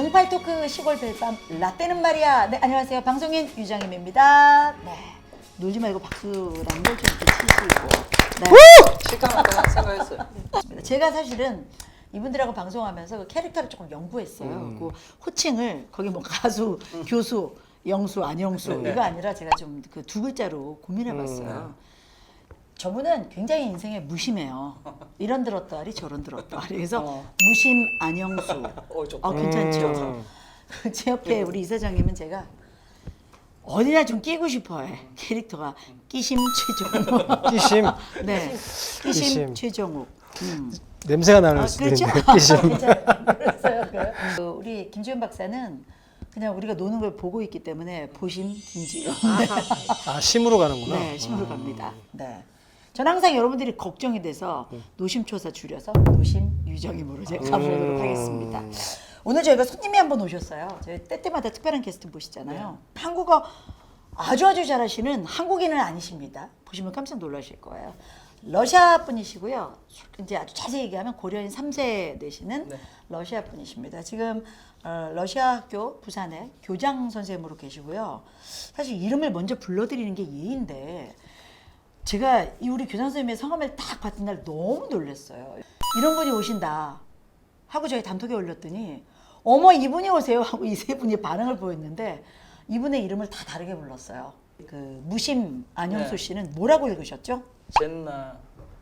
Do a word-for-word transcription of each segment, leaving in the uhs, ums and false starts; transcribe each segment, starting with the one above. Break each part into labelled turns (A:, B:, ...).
A: 응팔 토크 시골 벨밤 라떼는 말이야. 네, 안녕하세요. 방송인 유정임입니다. 네, 놀지 말고 박수라는 걸 좀 이렇게 치시고. 네.
B: 실감났다 생각했어요.
A: 제가 사실은 이분들하고 방송하면서 그 캐릭터를 조금 연구했어요.
B: 음.
A: 그 호칭을 거기 뭐 가수,
B: 음.
A: 교수, 영수, 안영수
B: 네.
A: 이거 아니라 제가 좀 그 두 글자로 고민해봤어요.
B: 음.
A: 저분은 굉장히 인생에 무심해요. 이런 들었다리 저런 들었다리. 그래서
B: 어.
A: 무심 안영수.
B: 어, 좋다.
A: 어, 괜찮죠?
C: 음.
A: 제 옆에 우리 이사장님은 제가 어디나 좀 끼고 싶어해. 캐릭터가 끼심 최종욱.
C: 끼심.
A: 네, 끼심,
C: 끼심.
A: 최종욱. 음.
C: 냄새가 나는
A: 아,
C: 수도
A: 그렇죠?
C: 있는데 끼심.
A: 그랬어요. 그 우리 김지훈 박사는 그냥 우리가 노는 걸 보고 있기 때문에 보심 김지훈.
C: 아 심으로 가는구나.
A: 네, 심으로 갑니다. 네. 전 항상 여러분들이 걱정이 돼서 노심초사 줄여서 노심 유정임으로 제가 가보도록 하겠습니다. 오늘 저희가 손님이 한 번 오셨어요. 저희 때때마다 특별한 게스트 모시잖아요. 한국어 아주 아주 잘하시는 한국인은 아니십니다. 보시면 깜짝 놀라실 거예요. 러시아 분이시고요. 이제 아주 자세히 얘기하면 고려인 삼 세 되시는
B: 네.
A: 러시아 분이십니다. 지금 어, 러시아 학교 부산에 교장 선생님으로 계시고요. 사실 이름을 먼저 불러드리는 게 예인데 제가 이 우리 교장 선생님의 성함을 딱 봤던 날 너무 놀랐어요. 이런 분이 오신다 하고 저희 단톡에 올렸더니 어머 이분이 오세요 하고 이 세 분이 반응을 보였는데 이분의 이름을 다 다르게 불렀어요. 그 무심 안영수
B: 네.
A: 씨는 뭐라고 읽으셨죠?
B: 젠나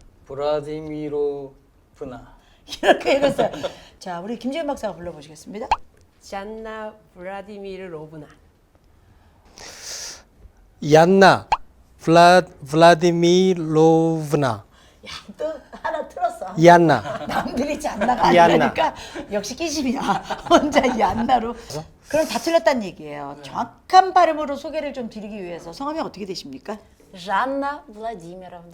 B: 브라디미로브나.
A: 이렇게 읽었어요. 자, 우리 김지은 박사가 불러보시겠습니다.
D: 잔나 브라디미르 로브나.
C: 얀나 블라 블라디미로브나.
A: 야, 또 하나 틀었어.
C: 얀나.
A: 남들이 잔나가
C: 얀나.
A: 아니니까 역시 끼심이야. 혼자 얀나로. 그럼 다 틀렸다는 얘기예요. 정확한 발음으로 소개를 좀 드리기 위해서 성함이 어떻게 되십니까?
E: Жанна Владимировна.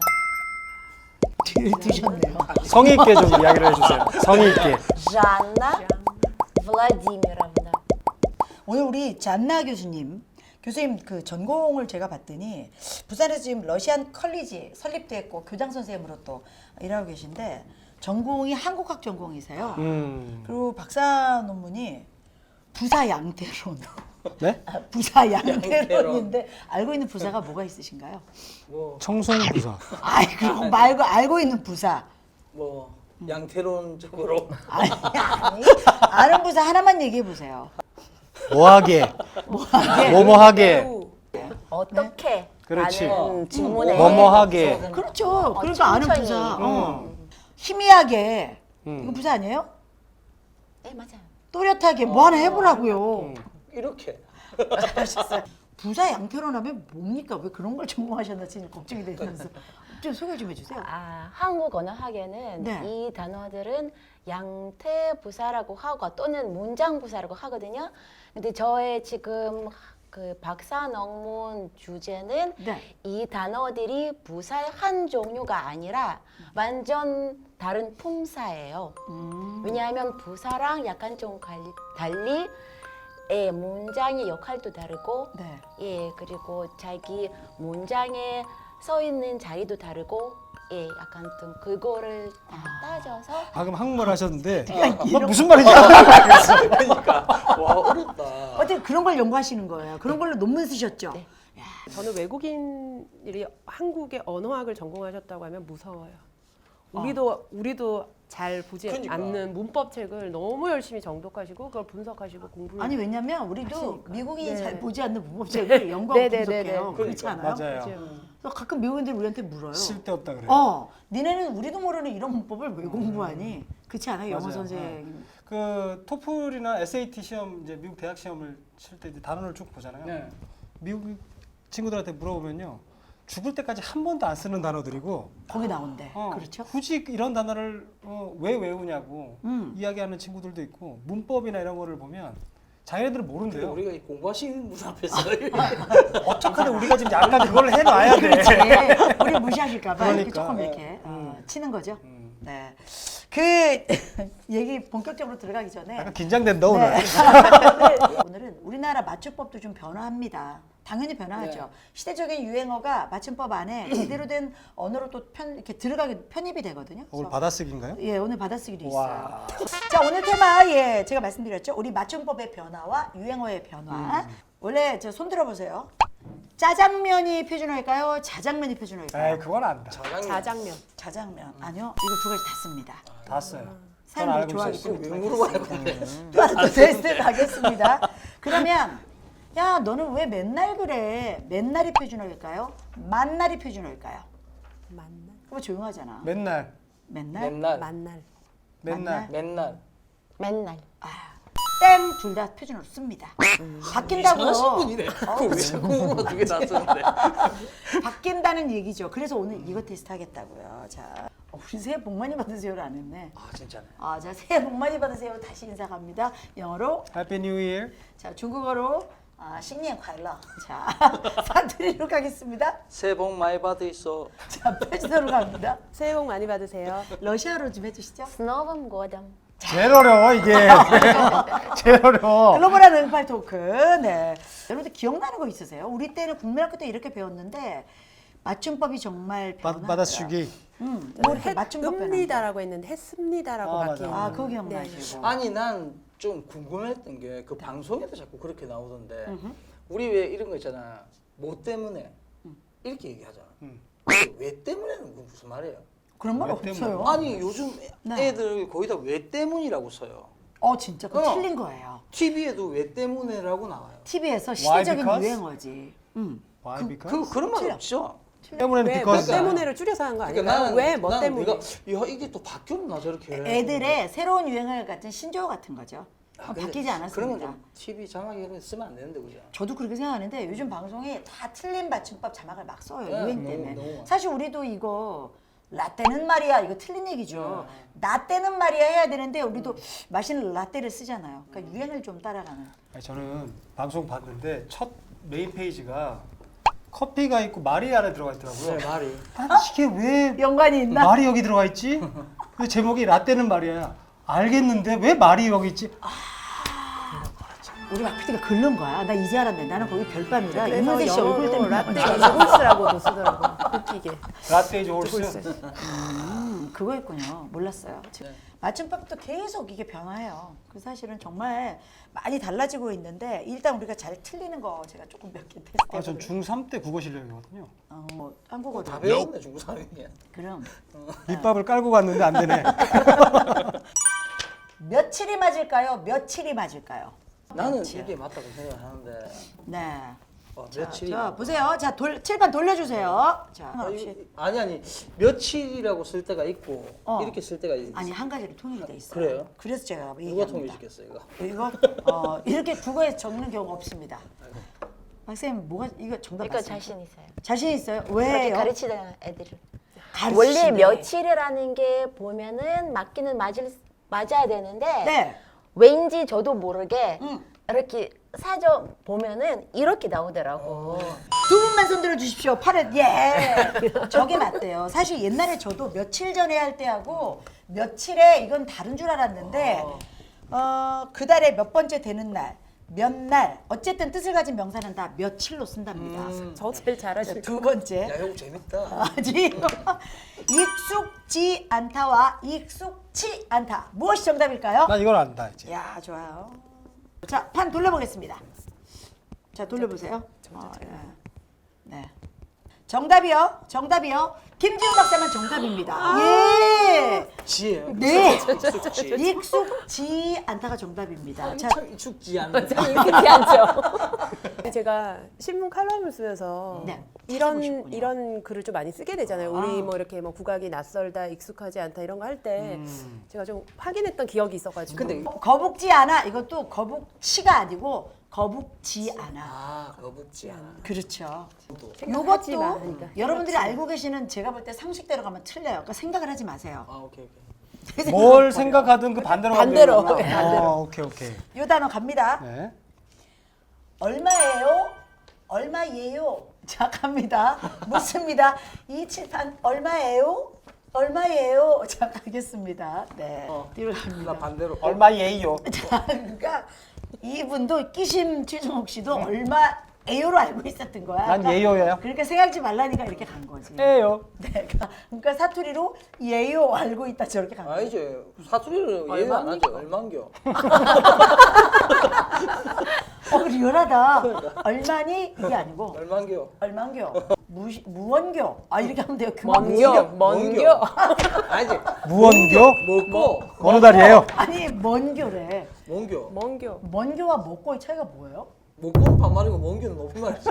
A: 뒤를 드셨네요.
C: 성의 있게 좀 이야기를 해주세요. 성의 있게.
E: Жанна Владимировна.
A: 오늘 우리 잔나 교수님, 교수님 그 전공을 제가 봤더니 부산에서 지금 러시안 컬리지 설립됐고 교장 선생님으로 또 일하고 계신데 전공이 한국학 전공이세요.
C: 음.
A: 그리고 박사 논문이 부사 양태론.
C: 네?
A: 아, 부사 양태론인데 알고 있는 부사가 뭐가 있으신가요?
B: 뭐,
C: 청송부사.
A: 아이 그거 말고 알고 있는 부사.
B: 뭐 양태론적으로
A: 아니 아니 아는 부사 하나만 얘기해 보세요.
C: 뭐하게.
A: 뭐하게?
C: 뭐뭐하게.
E: 매우 어떻게
C: 그렇지.
E: 라는 질문에
C: 뭐뭐하게.
A: 그렇죠. 그러니까 아는
E: 천천히.
A: 부사. 어. 희미하게.
C: 음.
A: 이거 부사 아니에요?
E: 네 맞아요.
A: 또렷하게 뭐 하나 해보라고요.
B: 이렇게.
A: 잘하셨어요. 부사 양태론 하면 뭡니까? 왜 그런 걸 전공하셨나 지금 걱정이 되면서 좀 소개 좀 해주세요.
E: 아 한국 언어학에는
A: 네.
E: 이 단어들은 양태 부사라고 하고 또는 문장 부사라고 하거든요. 근데 저의 지금 그 박사 논문 주제는
A: 네.
E: 이 단어들이 부사의 한 종류가 아니라 완전 다른 품사예요.
A: 음.
E: 왜냐하면 부사랑 약간 좀 갈리- 달리 예, 문장의 역할도 다르고
A: 네.
E: 예 그리고 자기 문장에 써 있는 자리도 다르고 예 약간 좀 그거를 다 따져서
C: 방금 한국말 하셨는데
A: 이런-
C: 뭐 무슨 말인지 모르겠어요.
B: 그러니까 와 어렵다.
A: 어떻게 그런 걸 연구하시는 거예요? 그런 걸로 논문 쓰셨죠?
E: 네.
D: 저는 외국인들이 한국의 언어학을 전공하셨다고 하면 무서워요. 우리도 우리도 잘 보지
B: 그러니까.
D: 않는 문법 책을 너무 열심히 정독하시고 그걸 분석하시고 공부를
A: 아니 왜냐면 우리도
D: 하시니까.
A: 미국인이
D: 네.
A: 잘 보지 않는 문법책을 연구하고
D: 네, 네, 네,
A: 분석해요.
D: 네.
A: 그렇지
B: 그러니까.
A: 않아요?
C: 맞아요.
A: 그래서 가끔 미국인들이 우리한테 물어요.
C: 쓸데없다 그래요.
A: 어, 니네는 우리도 모르는 이런 문법을 왜 공부하니? 그렇지 않아요? 영어
C: 맞아요.
A: 선생님.
C: 그 토플이나 에스에이티 시험 이제 미국 대학 시험을 칠 때 이제 단원을 쭉 보잖아요.
B: 네.
C: 미국 친구들한테 물어보면요. 죽을 때까지 한 번도 안 쓰는 단어들이고
A: 거기 나온대.
C: 어,
A: 그렇죠?
C: 굳이 이런 단어를 어, 왜 외우냐고
A: 음.
C: 이야기하는 친구들도 있고 문법이나 이런 거를 보면 자기네들은
B: 근데
C: 모른대요.
B: 우리가 이 공부하시는 분 앞에서
C: 어떡하든 우리가 지금 약간 그걸 해놔야 돼.
A: 그렇지. 우리 무시하실까봐 이렇게
C: 그러니까.
A: 조금 이렇게
C: 음.
A: 어, 치는 거죠.
C: 음.
A: 네. 그 얘기 본격적으로 들어가기 전에
C: 약간 긴장된다 오늘.
A: 네. 오늘은 우리나라 맞춤법도 좀 변화합니다. 당연히 변화하죠.
B: 네.
A: 시대적인 유행어가 맞춤법 안에 제대로 된 언어로 또 편, 이렇게 들어가게 편입이 되거든요.
C: 오늘
A: 그래서
C: 받아쓰기인가요?
A: 예, 오늘 받아쓰기도 있어요.
C: 와.
A: 자, 오늘 테마 예, 제가 말씀드렸죠. 우리 맞춤법의 변화와 유행어의 변화.
C: 음.
A: 원래 저 손 들어보세요. 짜장면이 표준어일까요? 자장면이 표준어일까요?
C: 에이 그건 안다.
B: 자장면.
D: 자장면.
A: 자장면. 아니요. 이거 두 가지 다 씁니다.
C: 다 써요. 전
A: 사람들이
C: 알고
A: 좋아하기
C: 있었어요.
A: 때문에
B: 왜
A: 두
B: 물어봐요,
A: 가지 다
B: 근데?
A: 씁니다. 또 테스트 가겠습니다. 그러면 야, 너는 왜 맨날 그래? 맨날이 표준어일까요? 만날이 표준어일까요?
D: 만날.
A: 그거 조용하잖아.
C: 맨날
A: 맨날?
B: 맨날.
D: 만날.
C: 맨날
B: 맨날.
E: 맨날.
A: 땡 둘 다 표준어로 씁니다.
B: 이상하신
A: 바뀐다고요.
B: 분이네. 그거 왜 자꾸 물어 두개 다 쓰는데.
A: 바뀐다는 얘기죠. 그래서 오늘 이거 테스트 하겠다고요. 자, 어, 우리 새해 복 많이 받으세요를 안 했네.
B: 아 진짜네.
A: 아, 자, 새해 복 많이 받으세요. 다시 인사 갑니다. 영어로,
C: 해피 뉴 이어.
A: 자, 중국어로 아, 신년 快乐. 자, 사투리로 가겠습니다.
B: 새해 복 많이 받으소.
A: 자, 표준어로 갑니다.
D: 새해 복 많이 받으세요.
A: 러시아로 좀 해주시죠.
E: S Novym годом.
C: 제일 어려워 이게. 제일 어려워.
A: 글로벌한 응팔 토크. 네. 여러분들 기억나는 거 있으세요? 우리 때는 국민학교 때 이렇게 배웠는데 맞춤법이 정말
C: 받-
A: 변하더라.
C: 받아쓰기.
A: 음, 뭐 이렇게 맞춤법 변한 거.
D: 했습니다라고 했는데 했습니다라고
C: 아,
D: 바뀌는.
C: 맞아.
A: 아, 그거 기억나시고.
B: 아니 난 좀 궁금했던 게 그 방송에도 자꾸 그렇게 나오던데 우리 왜 이런 거 있잖아. 뭐 때문에 이렇게 얘기하잖아.
C: 음.
B: 근데 왜 때문에는 그 무슨 말이에요?
A: 그런 말
C: 왜
A: 없어요.
C: 때문에?
B: 아니 요즘
A: 네.
B: 애들 거의 다 왜 때문이라고 써요.
A: 어, 진짜 그거
B: 어.
A: 틀린 거예요.
B: 티비에도 왜 때문에라고 나와요.
A: 티비에서 시대적인
C: because?
A: 유행어지. 음.
C: Why
B: 그,
C: because?
B: 그 그런 말
A: 틀려.
B: 없죠.
C: 때문에는
D: 왜, 뭐
C: because.
D: 때문에를 줄여서 한 거
B: 그러니까
D: 아닐까요?
B: 나는
D: 왜, 뭐
B: 나는
D: 때문에?
B: 내가 야 이게 또 바뀌었나 저렇게.
A: 애들의 새로운 유행어 같은 신조어 같은 거죠.
B: 아, 근데
A: 바뀌지
B: 그런
A: 않았습니다.
B: 건좀 티비 자막에 이런 거 쓰면 안 되는데 그죠?
A: 저도 그렇게 생각하는데 요즘 방송이 다 틀린 맞춤법 자막을 막 써요.
B: 네,
A: 유행
B: 너무,
A: 때문에.
B: 너무.
A: 사실 우리도 이거 라떼는 말이야 이거 틀린 얘기죠.
B: 네.
A: 라떼는 말이야 해야 되는데 우리도 맛있는 라떼를 쓰잖아요. 그러니까 유행을 좀 따라가는.
C: 아니, 저는 방송 봤는데 첫 메인 페이지가 커피가 있고 말이 안에 들어가 있더라고요.
B: 네 말이.
C: 아니, 이게 왜
A: 연관이 있나?
C: 말이 여기 들어가 있지? 그 제목이 라떼는 말이야. 알겠는데 왜 말이 여기 있지?
A: 우리 박 피디가 긁는 거야. 나 이제 알았네. 나는 거기 별밤이라
D: 그래서
A: 이문세 씨 얼굴
D: 영어로
A: 때문에
D: 라떼 이글스라고도 쓰더라고. 웃기게.
C: 라떼 이즈 홀스.
A: 음, 그거였군요. 몰랐어요. 지금
B: 네.
A: 맞춤법도 계속 이게 변화해요. 그 사실은 정말 많이 달라지고 있는데 일단 우리가 잘 틀리는 거 제가 조금 몇 개 테스트
C: 아, 전
A: 해보도록.
C: 중삼 때 국어 실력이거든요.
A: 어, 뭐 한국어로.
B: 다 배웠네 중국 사람이.
A: 그럼
C: 밑밥을 깔고 갔는데 안 되네.
A: 며칠이 맞을까요? 며칠이 맞을까요?
B: 나는
A: 며칠.
B: 이게 맞다고 생각하는데.
A: 네.
B: 어,
A: 자,
B: 며칠이.
A: 자 보세요. 자 돌, 칠판 돌려주세요. 자
B: 아,
A: 상관없이.
B: 이- 아니 아니 며칠이라고 쓸 때가 있고
A: 어.
B: 이렇게 쓸 때가 있어.
A: 아니 한 가지로 통일이 돼 있어요.
B: 그래요?
A: 그래서 제가
B: 누가
A: 얘기합니다.
B: 통일시켰어 이거?
A: 이거 어, 이렇게 국어에 적는 경우가 없습니다. 박사님 뭐가 이거 정답
E: 이거
A: 맞습니까?
E: 자신 있어요.
A: 자신 있어요?
E: 그렇게
A: 왜요?
E: 가르치는 애들을.
A: 가르치시네.
E: 원래 며칠이라는 게 보면은 맞기는 맞을 맞아야 되는데
A: 네.
E: 왠지 저도 모르게
A: 음.
E: 이렇게 사전 보면은 이렇게 나오더라고.
A: 두 분만 손들어 주십시오. 팔에 예. 저게 맞대요. 사실 옛날에 저도 며칠 전에 할 때하고 며칠에 이건 다른 줄 알았는데 어, 그 달에 몇 번째 되는 날, 몇 날, 어쨌든 뜻을 가진 명사는 다 며칠로 쓴답니다.
B: 음.
D: 저 제일 잘하실
A: 두 번째.
B: 야 이거 재밌다.
A: 아직 익숙지 않다와 익숙치 않다. 무엇이 정답일까요?
C: 난 이걸 안다 이제.
A: 야 좋아요. 자, 판 돌려보겠습니다. 자, 돌려보세요. 어, 예. 네. 정답이요. 정답이요. 김지훈 박사만 정답입니다. 예.
B: 지혜요.
A: 네.
B: 익숙지.
A: 익숙지 않다가 정답입니다. 자,
B: 참 익숙지 않은.
E: 익숙지 않죠.
D: 제가 신문 칼럼을 쓰면서
A: 네,
D: 이런
A: 찾아보셨군요.
D: 이런 글을 좀 많이 쓰게 되잖아요.
A: 아.
D: 우리 뭐 이렇게 뭐 국악이 낯설다, 익숙하지 않다 이런 거 할 때
C: 음.
D: 제가 좀 확인했던 기억이 있어가지고.
B: 근데
A: 거북지 않아. 이것도 거북치가 아니고 거북지 않아.
B: 아 거북지 않아.
A: 그렇죠.
D: 생각하지
A: 요것도
D: 마. 그러니까.
A: 여러분들이 알고 계시는 제가 볼 때 상식대로 가면 틀려요. 그러니까 생각을 하지 마세요.
B: 아 오케이 오케이.
C: 뭘 생각하든 그 반대로 가면
D: 반대로.
C: 되는구나.
D: 네, 반대로.
C: 어, 오케이 오케이.
A: 요 단어 갑니다.
C: 네.
A: 얼마예요? 얼마예요? 자 갑니다. 묻습니다. 이 칠판 얼마예요? 얼마예요? 자 가겠습니다. 네.
B: 어.
A: 뒤로
B: 나
A: 갑니다.
B: 반대로.
C: 얼마예요?
A: 자, 그러니까 이분도 끼심 최종욱 씨도 얼마 에요로 알고 있었던 거야.
C: 난 예요예요.
A: 그러니까 생각지 말라니까 이렇게 간 거지.
C: 예요.
A: 네, 그러니까 사투리로 예요 알고 있다 저렇게 간 거야.
B: 아니지. 사투리를 이해 안 하죠. 얼만겨.
A: 어, 리얼하다. 얼마니 이게 아니고
B: 얼만겨.
A: 얼만겨, 무 무원겨. 아 이렇게 하면 돼요.
D: 먼겨, 먼겨.
B: 아니지.
C: 무언교?
B: 먹고
C: 어느 달이에요?
A: 아니 먼겨래.
B: 뭔겨.
D: 먼겨.
A: 먼겨와 먹고의 차이가 뭐예요?
B: 먹고는 반말이고 먼겨는 높은 말이지.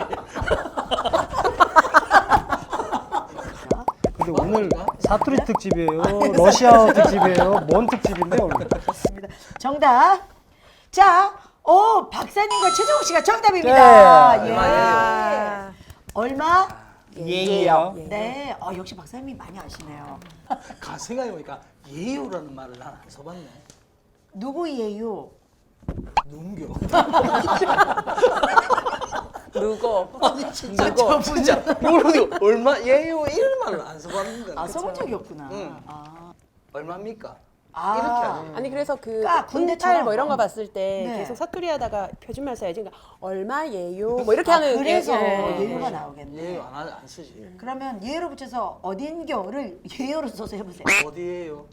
C: 근데 오늘 사투리 특집이에요. 러시아어 특집이에요. 뭔 특집인데 오늘?
A: 맞습니다. 정답. 자, 오 박사님과 최정욱 씨가 정답입니다.
C: 네.
A: 예.
D: 아.
A: 얼마?
C: 예요.
A: 네. 어, 역시 박사님이 많이 아시네요.
B: 가 생각해보니까 예요라는 말을 난 안 써봤네.
A: 누구예요?
B: 눈겨.
D: 누구?
B: 아니 진짜
D: 누구?
B: 진짜 모르고 얼마 예요 이런 말을 안 써봤는데.
A: 아, 써본 적이 없구나.
B: 응.
A: 아.
B: 얼마입니까?
A: 아.
B: 이렇게 하지.
D: 아니 그래서 그
A: 까, 군대처럼.
D: 군탈 뭐 이런 거 봤을 때
A: 네.
D: 계속 사투리 하다가 표준말 써야지. 그러니까 얼마예요? 뭐 이렇게
A: 아,
D: 하는
A: 그래서
D: 예, 예.
A: 예요가 나오겠네.
B: 예요 안, 하- 안 쓰지.
A: 그러면 예로 붙여서 어딘겨를 예요로 써서 해보세요.
B: 어디에요?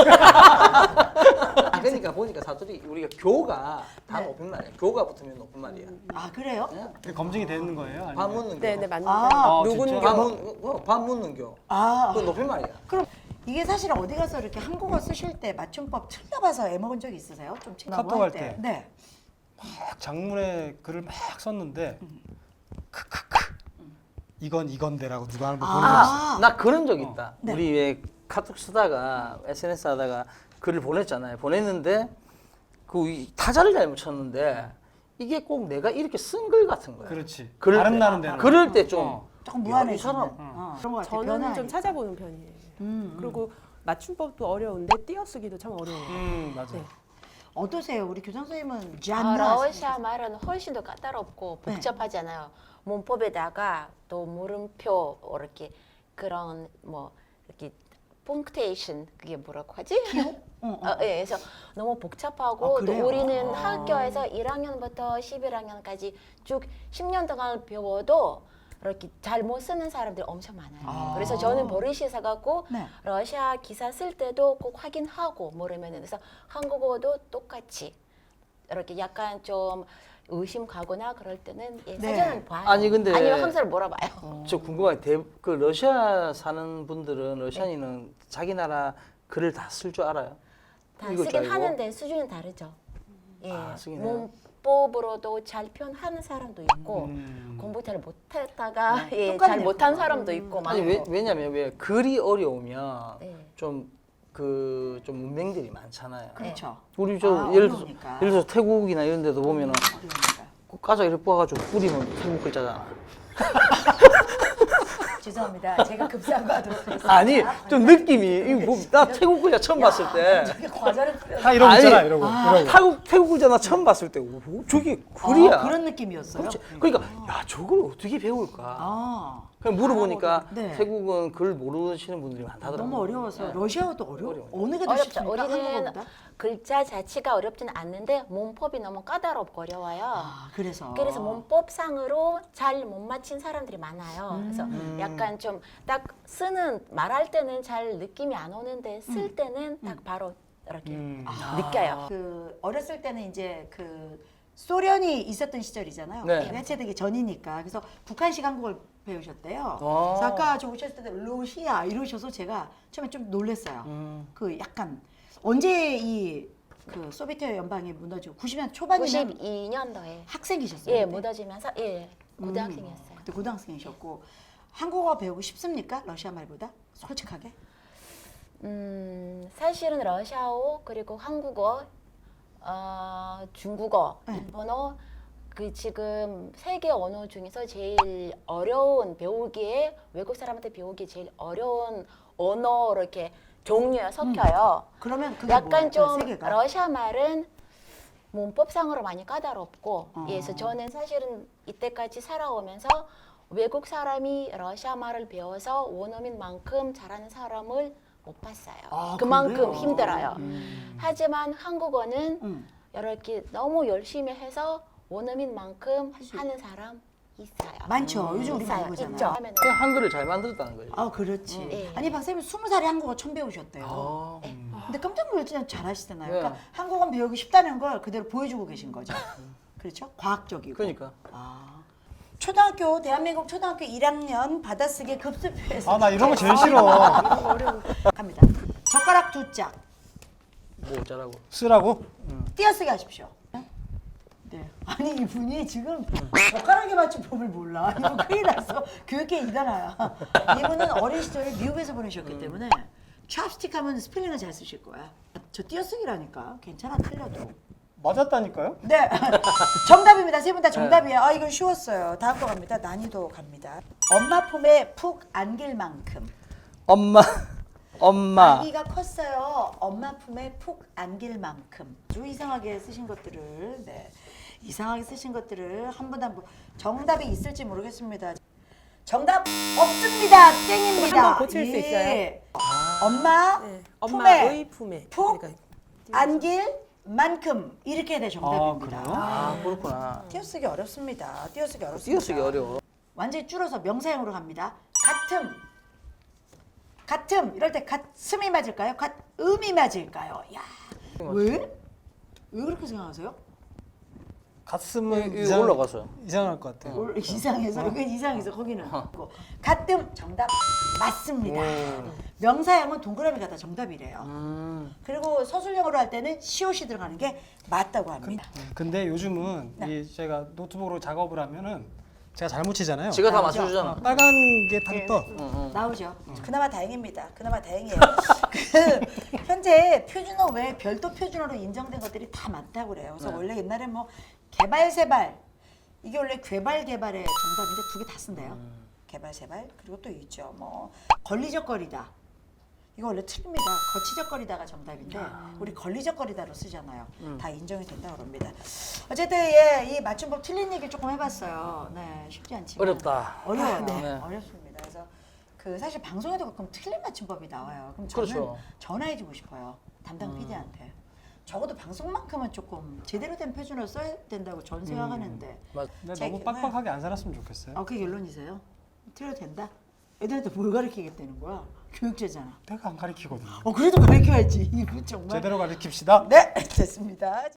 B: 아, 그러니까 보니까 사투리 우리가 교가 다
A: 네.
B: 높은 말이야. 교가 붙으면 높은 말이야.
A: 아 그래요?
B: 예?
C: 검증이 되는 거예요? 아니면?
B: 밥 묻는 교.
D: 네, 네 맞는데
A: 아,
C: 어,
D: 누군겨?
C: 진짜?
B: 밥 묻, 어, 밥 묻는 교.
A: 아
B: 그건 높은 말이야.
A: 그럼 이게 사실 어디 가서 이렇게 한국어 쓰실 때 맞춤법 틀려봐서 애먹은 적 있으세요? 좀 친다고
C: 카톡 할
A: 때.
C: 때.
A: 네.
C: 막 장문에 글을 막 썼는데 크크크 이건 이건데라고 누가 하는 거 보는 거 있어.
A: 아,
B: 나 그런 적 있다.
A: 네.
B: 우리 왜 카톡 쓰다가 에스엔에스 하다가 글을 보냈잖아요. 보냈는데 그 이- 타자를 잘못 쳤는데 이게 꼭 내가 이렇게 쓴 글 같은 거야.
C: 그렇지.
B: 그럴
C: 발음
B: 때-
C: 나는 대로.
B: 그럴 때 좀
C: 어.
A: 조금
B: 야,
A: 무한해.
B: 이 사람.
A: 어, 그런 것 같아요.
D: 저는 좀
A: 변화하니까.
D: 찾아보는 편이에요.
A: 음, 음.
D: 그리고 맞춤법도 어려운데 띄어쓰기도 참 어려워요.
C: 음 맞아.
D: 네.
A: 어떠세요? 우리 교장 선생님은
E: 아,
A: 잔나
E: 러시아 말은 훨씬 더 까다롭고
A: 네.
E: 복잡하잖아요. 문법에다가 또 물음표 이렇게 그런 뭐 이렇게 punktuation 그게 뭐라고 하지?
A: 어, 어.
E: 어, 예, 그래서 너무 복잡하고
A: 아,
E: 또
A: 그래요?
E: 우리는
A: 아.
E: 학교에서 일 학년부터 십일 학년까지 쭉 십 년 동안 배워도 이렇게 잘 못 쓰는 사람들이 엄청 많아요.
A: 아.
E: 그래서 저는 버릇이 있어갖고
A: 네.
E: 러시아 기사 쓸 때도 꼭 확인하고 모르면은 그래서 한국어도 똑같이 이렇게 약간 좀 의심 가거나 그럴 때는 예,
A: 네.
E: 사전을 봐요.
B: 아니, 근데-
E: 아니면 항상 물어봐요.
B: 저 궁금한 게 그 러시아 사는 분들은 러시아인은 자기 나라 글을 다 쓸 줄 알아요?
E: 다
B: 읽을 줄
E: 쓰긴
B: 알고?
E: 하는데 수준은 다르죠. 예,
B: 아, 쓰긴 해요?
E: 문법으로도 잘 표현하는 사람도 있고
C: 음.
E: 공부 잘 못했다가 예,
A: 똑같네요.
E: 잘 못한 사람도 있고
B: 아니
E: 많고.
B: 왜, 왜냐면 왜 글이 어려우면
E: 네.
B: 좀 그 좀 문맹들이 많잖아요.
A: 그렇죠.
B: 우리 저
A: 아,
B: 예를 들어서
A: 어려우니까.
B: 예를 들어서 태국이나 이런 데도 보면은
A: 어려우니까.
B: 그 까자 이렇게 뽑아가지고 뿌리면 태국 글자잖아.
A: 죄송합니다. 제가 급사과하도록 하겠습니다.
B: 아니 좀 느낌이 이거 뭐, 나 태국 글자 처음 봤을 때
A: 저게 과자를 뿌려.
C: 다 이러고
B: 아니,
C: 있잖아 이러고
A: 아.
C: 이러고.
B: 태국 태국 글자 나 처음 봤을 때 오, 저게 글이야.
A: 아, 그런 느낌이었어요.
B: 그렇지. 그러니까 야 저걸 어떻게 배울까?
A: 아,
B: 그냥 물어보니까
A: 네.
B: 태국은 글 모르시는 분들이 많다더라고요.
A: 너무 어려워서
B: 네.
A: 러시아어도 어려워.
B: 어려워요.
A: 어느 게 더
E: 어렵죠.
A: 쉽습니까?
E: 우리는
A: 한국어보다?
E: 글자 자체가 어렵진 않는데 문법이 너무 까다롭고 어려워요.
A: 아, 그래서.
E: 그래서 문법상으로 잘 못 맞힌 사람들이 많아요. 그래서
A: 음.
E: 약간 좀 딱 쓰는 말할 때는 잘 느낌이 안 오는데 쓸 때는 딱 바로 이렇게
C: 음.
E: 느껴요.
A: 그 어렸을 때는 이제 그 소련이 있었던 시절이잖아요.
B: 네.
A: 해체되기 전이니까. 그래서 북한식 한국어를 배우셨대요.
B: 아.
A: 그래서 아까 저 오셨을 때 러시아 이러셔서 제가 처음에 좀 놀랐어요.
B: 음.
A: 그 약간 언제 이 그 소비에트 연방이 무너지고 구십 년 초반이면
E: 구십이 년도에
A: 학생이셨어요.
E: 예
A: 그때?
E: 무너지면서 예 고등학생이었어요.
A: 음, 그때 고등학생이셨고 한국어 배우고 싶습니까? 러시아 말보다? 솔직하게?
E: 음 사실은 러시아어 그리고 한국어, 어, 중국어,
A: 네.
E: 일본어 그 지금 세계 언어 중에서 제일 어려운 배우기에 외국 사람한테 배우기 제일 어려운 언어 이렇게 종류에 섞여요.
A: 그러면 그게
E: 약간
A: 뭐예요?
E: 좀
A: 세 개가?
E: 러시아 말은 문법상으로 많이 까다롭고
A: 어.
E: 예, 그래서 저는 사실은 이때까지 살아오면서 외국 사람이 러시아 말을 배워서 원어민만큼 잘하는 사람을 못 봤어요.
A: 아,
E: 그만큼
A: 그래요?
E: 힘들어요.
A: 음.
E: 하지만 한국어는
A: 음.
E: 이렇게 너무 열심히 해서 원어민만큼
A: 수
E: 하는 사람 있어요.
A: 많죠. 요즘 우리 많이
E: 있어요.
A: 보잖아요.
E: 있죠. 하면은
B: 그냥 한글을 잘 만들었다는 거예요.
A: 아 그렇지.
E: 네.
A: 아니 박사님 스무 살에 한국어 처음 배우셨대요.
B: 아,
A: 근데 깜짝 놀랐잖아요. 잘하시잖아요.
B: 네.
A: 그러니까 한국어 배우기 쉽다는 걸 그대로 보여주고 계신 거죠. 그렇죠? 과학적이고.
B: 그러니까.
A: 아. 초등학교 대한민국 초등학교 일 학년 받아쓰기 급수표에서
C: 아 나 이런 거 제일 싫어.
A: 갑니다. 젓가락 두 짝
B: 뭐 어쩌라고.
C: 쓰라고?
A: 띄어쓰기 하십시오. 네. 아니 이분이 지금 젓가락에 맞춘 법을 몰라. 이거 큰일 났어. 교육계 이단아야. 이분은 어린 시절에 미국에서 보내셨기 때문에 찹스틱 하면 스펠링은 잘 쓰실 거야. 저 띄어쓰기라니까. 괜찮아 틀려도.
C: 맞았다니까요?
A: 네. 정답입니다. 세 분 다 정답이에요. 아 이건 쉬웠어요. 다음 거 갑니다. 난이도 갑니다. 엄마 품에 푹 안길 만큼.
B: 엄마, 엄마.
A: 아기가 컸어요. 엄마 품에 푹 안길 만큼. 아주 이상하게 쓰신 것들을 네. 이상하게 쓰신 것들을 한 분 한 분 정답이 있을지 모르겠습니다. 정답 없습니다. 땡입니다.
D: 한번 고칠 수 있어요?
A: 엄마
D: 네.
A: 품에
D: 엄마의 품에.
A: 푹
D: 그러니까
A: 안길 만큼 이렇게 돼 정답입니다.
C: 아, 그래요?
B: 아, 그렇구나.
A: 띄어쓰기 어렵습니다. 띄어쓰기 어렵습니다.
B: 띄어쓰기 어려워.
A: 완전히 줄여서 명사형으로 갑니다. 같음. 같음. 이럴 때 같음이 맞을까요? 같음이 맞을까요? 야. 왜? 왜 그렇게 생각하세요?
C: 가슴은
B: 이거 이거 올라가서요.
C: 이상할 것 같아요.
A: 올- 이상해서 이건 이상해서 거기는 같음 정답 맞습니다. 명사형은 동그라미가 다 정답이래요.
B: 음.
A: 그리고 서술형으로 할 때는 시옷이 들어가는 게 맞다고 합니다.
C: 근데 요즘은
A: 네.
C: 이 제가 노트북으로 작업을 하면은 제가 잘못 치잖아요.
B: 지가 다
A: 나오죠?
B: 맞춰주잖아.
C: 아, 빨간 게 딱 떠.
B: 응, 응.
A: 나오죠. 그나마 다행입니다. 그나마 다행이에요. 그 현재 표준어 외에 별도 표준어로 인정된 것들이 다 많다고 그래요. 그래서
B: 네.
A: 원래 옛날에 뭐 개발세발 이게 원래 괴발 개발의 정답인데 두 개 다 쓴대요. 개발세발 그리고 또 있죠. 뭐 걸리적거리다. 이거 원래 틀립니다. 거치적거리다가 정답인데 우리 걸리적거리다로 쓰잖아요. 다 인정이 된다고 그럽니다. 어쨌든 예, 이 맞춤법 틀린 얘기 조금 해봤어요. 네, 쉽지 않지만
B: 어렵다.
A: 어려워요.
B: 네.
A: 어렵습니다. 그래서 그 사실 방송에도 가끔 틀린 맞춤법이 나와요. 그럼 저는
B: 그렇죠.
A: 전화해주고 싶어요. 담당 피디한테. 적어도 방송만큼은 조금 제대로 된 표준어를 써야 된다고 전 생각하는데.
B: 맞.
C: 근데
A: 제-
C: 너무 빡빡하게 안 살았으면 좋겠어요.
A: 아, 그게 결론이세요? 틀려도 된다? 애들한테 뭘 가르치겠다는 거야? 교육제잖아.
C: 내가 안 가르치거든요.
A: 어, 그래도 가르쳐야지. 이거 정말.
C: 제대로 가르칩시다.
A: 네, 됐습니다.